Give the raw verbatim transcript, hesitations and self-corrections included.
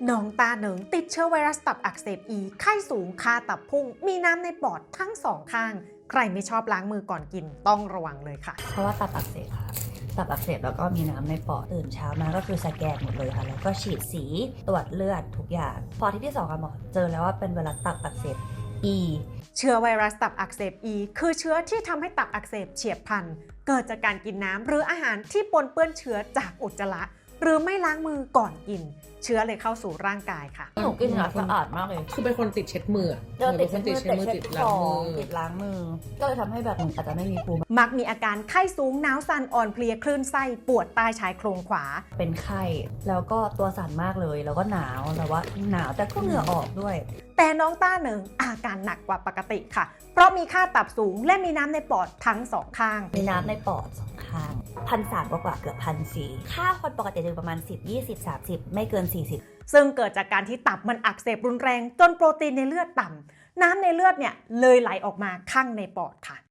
น้องตาเหนิงติดเชื้อไวรัสตับอักเสบอีไข้สูงค่าตับพุ่งมีน้ำในปอดทั้งสองข้าง ใครไม่ชอบล้างมือก่อนกินต้องระวังเลยค่ะเพราะว่าตับอักเสบค่ะตับอักเสบแล้วก็มีน้ำในปอดตื่นเช้ามาก็คือสแกนหมดเลยค่ะแล้วก็ฉีดสีตรวจเลือดทุกอย่างพอที่ที่สองค่ะหมอเจอแล้วว่าเป็นไวรัสตับอักเสบอีเชื้อไวรัสตับอักเสบอีคือเชื้อที่ทำให้ตับอักเสบเฉียบพลันเกิดจากการกินน้ำหรืออาหารที่ปนเปื้อนเชื้อจากอุจจาระหรือไม่ล้างมือก่อนกินเชื้อเลยเข้าสู่ร่างกายค่ะหนูกินน้ำสะอาดมากเลยคือเป็นคนติดเช็ดมือเจอติดเช็ดมือติดเช็ดมือติดล้างมือติดล้างมือก็เลยทำให้แบบอาจจะไม่มีภูมิมักมีอาการไข้สูงหนาวสั่นอ่อนเพลียคลื่นไส้ปวดใต้ชายโครงขวาเป็นไข้แล้วก็ตัวสั่นมากเลยแล้วก็หนาวแต่ว่าหนาวแต่ก็เหงื่อออกด้วยแต่น้องต้าเหนิงอาการหนักกว่าปกติค่ะเพราะมีค่าตับสูงและมีน้ำในปอดทั้งสองข้างมีน้ำในปอดสองข้างพันสามกว่าเกือบพันสี่ค่าคนปกติจะประมาณสิบ ยี่สิบ สามสิบไม่เกินสี่สิบซึ่งเกิดจากการที่ตับมันอักเสบรุนแรงจนโปรตีนในเลือดต่ำน้ำในเลือดเนี่ยเลยไหลออกมาข้างในปอดค่ะ